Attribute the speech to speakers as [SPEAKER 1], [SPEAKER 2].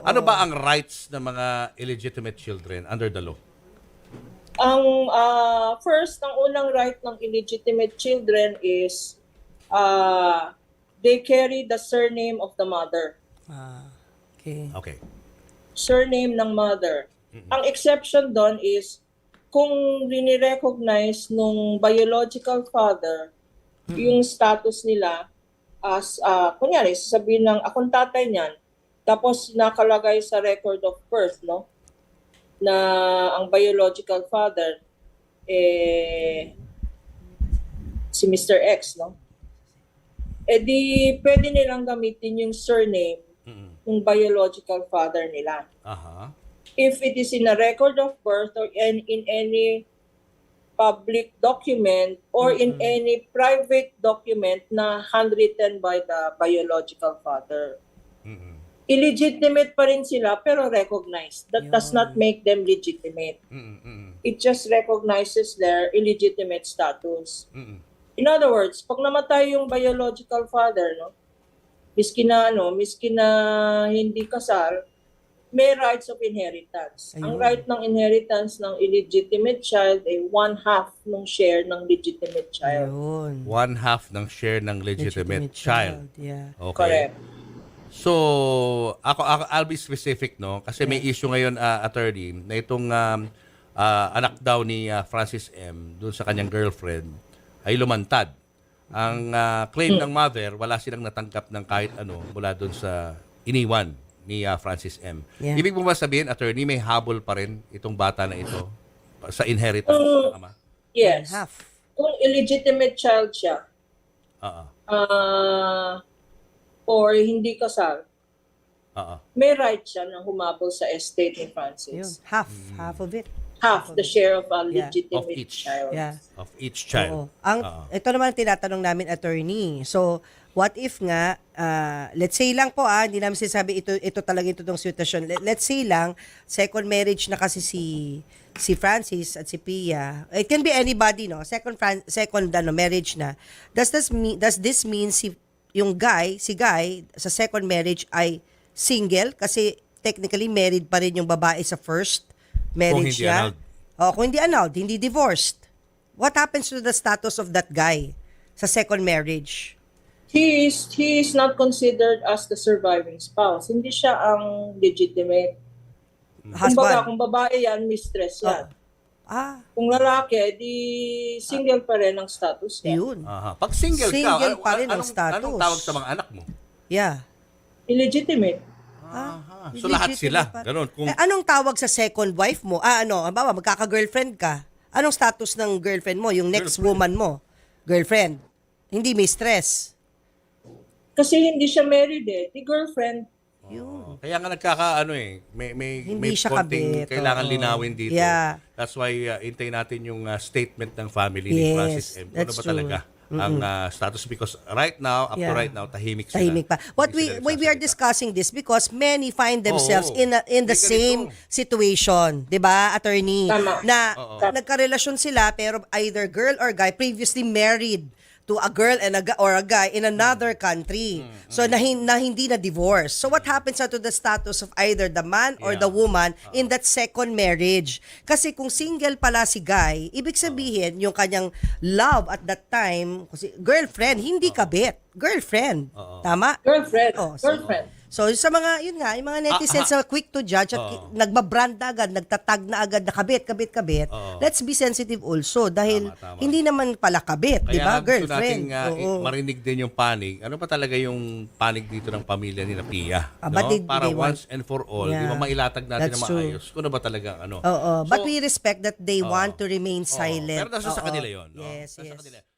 [SPEAKER 1] Ano ba ang rights ng mga illegitimate children under the law?
[SPEAKER 2] Ang first, ang unang right ng illegitimate children is they carry the surname of the mother.
[SPEAKER 3] Okay.
[SPEAKER 1] Okay.
[SPEAKER 2] Surname ng mother. Ang exception doon is kung rini-recognize nung biological father yung status nila as, kunyari, sasabihin ng akong tatay niyan, tapos nakalagay sa record of birth, no? Na ang biological father, si Mr. X, no? Di pwede nilang gamitin yung surname ng biological father nila.
[SPEAKER 1] Aha.
[SPEAKER 2] If it is in a record of birth or in any public document or in any private document na handwritten by the biological father. Illegitimate pa rin sila pero recognized. That does not make them legitimate. It just recognizes their illegitimate status. In other words, pag namatay yung biological father, no, miski na hindi kasal, may rights of inheritance. Ang right ng inheritance ng illegitimate child ay 1/2 ng share ng legitimate child.
[SPEAKER 3] Ayun.
[SPEAKER 1] 1/2 ng share ng legitimate child.
[SPEAKER 3] Yeah.
[SPEAKER 1] Okay.
[SPEAKER 2] Correct.
[SPEAKER 1] So, I'll be specific, no? Kasi may issue ngayon, attorney, na itong anak daw ni Francis M. doon sa kanyang girlfriend ay lumantad. Ang claim ng mother, wala silang natanggap ng kahit ano mula doon sa iniwan ni Francis M.
[SPEAKER 3] Yeah.
[SPEAKER 1] Ibig mo ba sabihin, attorney, may habol pa rin itong bata na ito sa inheritance ng ama?
[SPEAKER 2] Yes.
[SPEAKER 3] Half.
[SPEAKER 2] Kung illegitimate child siya, or hindi kasal, may right siya na humabol sa estate ni
[SPEAKER 3] Ayun.
[SPEAKER 2] Francis.
[SPEAKER 3] Half of it.
[SPEAKER 2] Half the share of a
[SPEAKER 3] Yeah.
[SPEAKER 2] legitimate
[SPEAKER 1] Of each.
[SPEAKER 2] child.
[SPEAKER 3] Yeah.
[SPEAKER 1] Of each child.
[SPEAKER 3] Oo. Ito naman tinatanong namin, attorney. So, what if nga, let's say lang po, hindi namin sinasabi ito talaga itong sitwasyon. Let's say lang, second marriage na kasi si Francis at si Pia. It can be anybody, no? Second marriage na. Does this mean si Guy sa second marriage ay single kasi technically married pa rin yung babae sa first marriage
[SPEAKER 1] hindi
[SPEAKER 3] niya?
[SPEAKER 1] annulled.
[SPEAKER 3] Kung hindi annulled, hindi divorced. What happens to the status of that guy sa second marriage?
[SPEAKER 2] He is not considered as the surviving spouse. Hindi siya ang legitimate. Kumbaga, kung babae yan, mistress yan. Kung lalaki, di single pa rin ang status niya.
[SPEAKER 3] Yun.
[SPEAKER 1] Aha. Pag single
[SPEAKER 3] Single
[SPEAKER 1] ka,
[SPEAKER 3] pa rin ang
[SPEAKER 1] anong
[SPEAKER 3] status.
[SPEAKER 1] tawag sa mga anak mo?
[SPEAKER 3] Yeah.
[SPEAKER 2] Illegitimate.
[SPEAKER 1] Aha. So lahat sila.
[SPEAKER 3] Legitimate pa.
[SPEAKER 1] Ganon. Kung,
[SPEAKER 3] Anong tawag sa second wife mo? Halimbawa, magkaka-girlfriend ka. Anong status ng girlfriend mo? Yung next woman mo? Girlfriend. Hindi mistress.
[SPEAKER 2] Kasi hindi siya married Di girlfriend.
[SPEAKER 1] kaya nga may
[SPEAKER 3] Hindi siya
[SPEAKER 1] konting
[SPEAKER 3] kabit.
[SPEAKER 1] kailangan
[SPEAKER 3] Oo.
[SPEAKER 1] linawin dito.
[SPEAKER 3] Yeah.
[SPEAKER 1] That's why hintayin natin yung statement ng family ni
[SPEAKER 3] Yes,
[SPEAKER 1] Francis M. Ano
[SPEAKER 3] that's
[SPEAKER 1] ba
[SPEAKER 3] true.
[SPEAKER 1] talaga ang status? Because right now, up to
[SPEAKER 3] Yeah.
[SPEAKER 1] right now, tahimik sila.
[SPEAKER 3] Tahimik pa. What
[SPEAKER 1] Hindi
[SPEAKER 3] we
[SPEAKER 1] sila
[SPEAKER 3] are
[SPEAKER 1] nagsasalita.
[SPEAKER 3] discussing this because many find themselves
[SPEAKER 1] Oo.
[SPEAKER 3] in the
[SPEAKER 1] May
[SPEAKER 3] same
[SPEAKER 1] ganito.
[SPEAKER 3] situation, 'di ba, attorney?
[SPEAKER 2] Tama.
[SPEAKER 3] Na
[SPEAKER 1] Oo.
[SPEAKER 3] nagkarelasyon sila pero either girl or guy previously married to a girl and or a guy in another country. So na hindi na divorce. So what happens to the status of either the man or
[SPEAKER 1] Yeah.
[SPEAKER 3] the woman in that second marriage? Kasi kung single pala si guy, ibig sabihin yung kanyang love at that time, kasi girlfriend, hindi kabit. Girlfriend. Tama?
[SPEAKER 2] Girlfriend.
[SPEAKER 3] Oh,
[SPEAKER 2] Girlfriend.
[SPEAKER 3] So sa mga, yun nga, yung mga netizens na quick to judge at nagbabrand na agad, nagtatag na agad na kabit. Let's be sensitive also dahil
[SPEAKER 1] Tama.
[SPEAKER 3] hindi naman pala kabit, di ba?
[SPEAKER 1] Kaya gusto
[SPEAKER 3] Girlfriend.
[SPEAKER 1] nating
[SPEAKER 3] Oo.
[SPEAKER 1] marinig din yung panig. Ano pa talaga yung panig dito ng pamilya ni Pia?
[SPEAKER 3] But
[SPEAKER 1] Para
[SPEAKER 3] they want-
[SPEAKER 1] once and for all,
[SPEAKER 3] Yeah.
[SPEAKER 1] di ba mailatag natin
[SPEAKER 3] That's
[SPEAKER 1] na
[SPEAKER 3] true.
[SPEAKER 1] maayos? Kung ano ba talaga ano?
[SPEAKER 3] Oo. But
[SPEAKER 1] So,
[SPEAKER 3] we respect that they want to remain
[SPEAKER 1] Oo.
[SPEAKER 3] Silent.
[SPEAKER 1] Pero nasa sa
[SPEAKER 3] Oo.
[SPEAKER 1] kanila yun. No?
[SPEAKER 3] Yes,
[SPEAKER 1] Nasa
[SPEAKER 3] yes.
[SPEAKER 1] kanila.